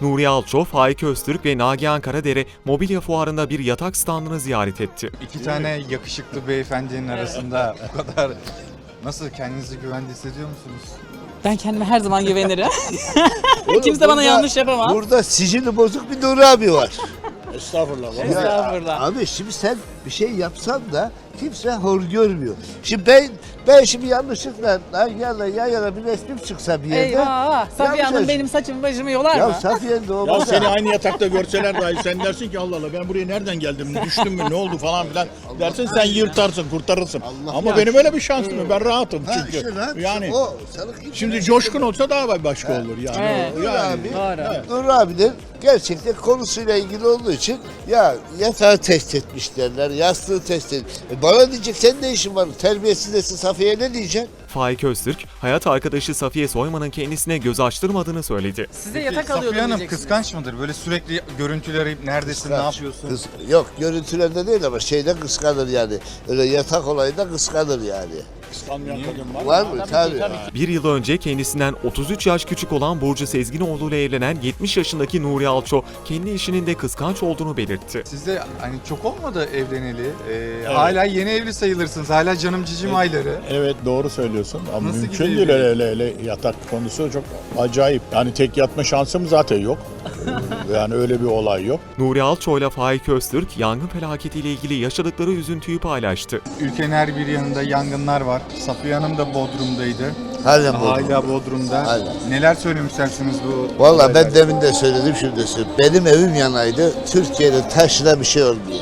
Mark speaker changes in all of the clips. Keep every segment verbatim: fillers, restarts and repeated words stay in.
Speaker 1: Nuriye Alço, Faik Öztürk ve Nagihan Karadere mobilya fuarında bir yatak standını ziyaret etti.
Speaker 2: İki tane yakışıklı beyefendinin arasında bu kadar nasıl, kendinizi güvende hissediyor musunuz?
Speaker 3: Ben kendime her zaman güvenirim.
Speaker 4: Oğlum,
Speaker 3: Kimse
Speaker 4: burada-
Speaker 3: bana yanlış yapamaz.
Speaker 4: Burada sicili bozuk bir Nuri abi var.
Speaker 5: Estağfurullah.
Speaker 4: Ya,
Speaker 3: Estağfurullah.
Speaker 4: abi şimdi sen bir şey yapsan da kimse hor görmüyor. Şimdi ben ben şimdi yanlışlıkla lan yana yan yana bir resmim çıksa bir yerde.
Speaker 3: Eyvah! Safiye Hanım
Speaker 4: yapacağız.
Speaker 3: benim saçımı başımı yolar
Speaker 4: Ya
Speaker 3: mı?
Speaker 4: Safiye'nin de
Speaker 5: Ya
Speaker 4: olmaz.
Speaker 5: seni aynı yatakta görseler dahi sen dersin ki Allah Allah ben buraya nereden geldim, düştüm mü, ne oldu falan filan dersin, sen yırtarsın, kurtarırsın.
Speaker 4: Allah
Speaker 5: Ama
Speaker 4: ya.
Speaker 5: benim öyle bir şansım yok. Ben rahatım
Speaker 4: Ha,
Speaker 5: çünkü.
Speaker 4: işte rahat.
Speaker 5: Yani
Speaker 4: O, sana kimse-
Speaker 5: şimdi Coşkun olsa daha başka olur yani.
Speaker 3: Evet.
Speaker 4: Nuri
Speaker 5: Yani,
Speaker 4: abi,
Speaker 3: Doğru.
Speaker 4: Nuri abinin gerçekten konusuyla ilgili olduğu için ya yatağı test etmiş derler, yastığı test etmiş. E bana diyecek sen ne işin var? Terbiyesiz desin, Safiye ne diyeceksin?
Speaker 1: Faik Öztürk, hayat arkadaşı Safiye Soyman'ın kendisine göz açtırmadığını söyledi.
Speaker 3: Size yatak
Speaker 2: Safiye
Speaker 3: alıyordum
Speaker 2: Hanım
Speaker 3: diyeceksiniz.
Speaker 2: kıskanç mıdır? Böyle sürekli görüntüler arayıp neredesin, ne
Speaker 4: Kıskanç.
Speaker 2: yapıyorsun?
Speaker 4: Kıs- yok görüntülerde değil ama şeyde kıskanır yani. Öyle yatak olayında kıskanır yani.
Speaker 5: kıskanmayan kadın var.
Speaker 4: Var mı? Tabii.
Speaker 1: Bir yıl önce kendisinden otuz üç yaş küçük olan Burcu Sezginoğlu ile evlenen yetmiş yaşındaki Nuriye Alço, kendi eşinin de kıskanç olduğunu belirtti.
Speaker 2: Siz de hani çok olmadı evleneli. Ee, Hala yeni evli sayılırsınız. Hala canım cicim ayları.
Speaker 5: Evet doğru söylüyorsun ama
Speaker 2: Nasıl
Speaker 5: mümkün
Speaker 2: gidiyor
Speaker 5: değil öyle, öyle, öyle yatak konusu çok acayip. Yani tek yatma şansım zaten yok. Yani öyle bir olay yok.
Speaker 1: Nuriye Alço ile Faik Öztürk, yangın felaketiyle ilgili yaşadıkları üzüntüyü paylaştı.
Speaker 2: Ülkenin her bir yanında yangınlar var. Safiye Hanım da Bodrum'daydı.
Speaker 4: Halen bu.
Speaker 2: Hala Bodrum'da.
Speaker 4: Hala.
Speaker 2: Neler söylemek istersiniz bu?
Speaker 4: Valla
Speaker 2: olaylar?
Speaker 4: ben demin de söyledim şimdi de söyleyeyim. Benim evim yanaydı. Türkiye'de taşına bir şey olmayaydı.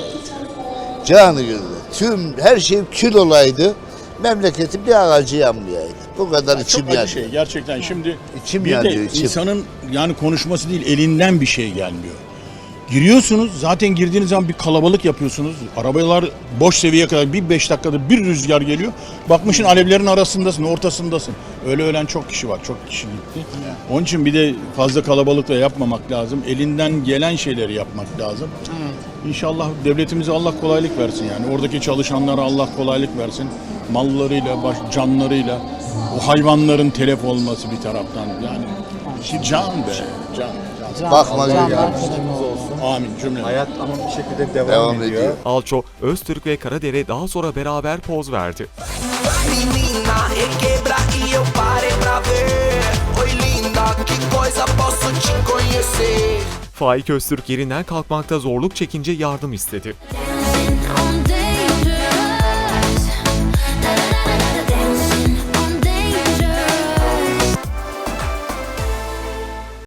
Speaker 4: Canı gönlü. Tüm her şey kül olaydı. Memleketin bir ağacı yanmayaydı. Bu kadar içim
Speaker 5: Çok acı
Speaker 4: yanıyor.
Speaker 5: şey gerçekten. Şimdi
Speaker 4: İçim
Speaker 5: bir de
Speaker 4: yanıyor, içim.
Speaker 5: insanın yani konuşması değil elinden bir şey gelmiyor. Giriyorsunuz zaten girdiğiniz zaman bir kalabalık yapıyorsunuz. Arabalar boş seviyeye kadar bir beş dakikada bir rüzgar geliyor. Bakmışsın alevlerin arasındasın, ortasındasın. Öyle ölen çok kişi var, çok kişi gitti. Onun için bir de fazla kalabalıkla yapmamak lazım. Elinden gelen şeyleri yapmak lazım. İnşallah devletimize Allah kolaylık versin yani. Oradaki çalışanlara Allah kolaylık versin. Mallarıyla, baş, canlarıyla, o hayvanların telef olması bir taraftan yani. Can be, can. can.
Speaker 4: Bakma
Speaker 3: Can-
Speaker 4: geliyor.
Speaker 5: Amin cümle.
Speaker 2: Hayat ama bir şekilde devam,
Speaker 4: Devam
Speaker 2: ediyor.
Speaker 4: ediyor.
Speaker 1: Alço, Öztürk ve Karadere daha sonra beraber poz verdi.
Speaker 6: Menina, requebra e eu parei pra ver. Oi linda, que coisa posso te conhecer.
Speaker 1: Faik Öztürk yerinden kalkmakta zorluk çekince yardım istedi.
Speaker 7: On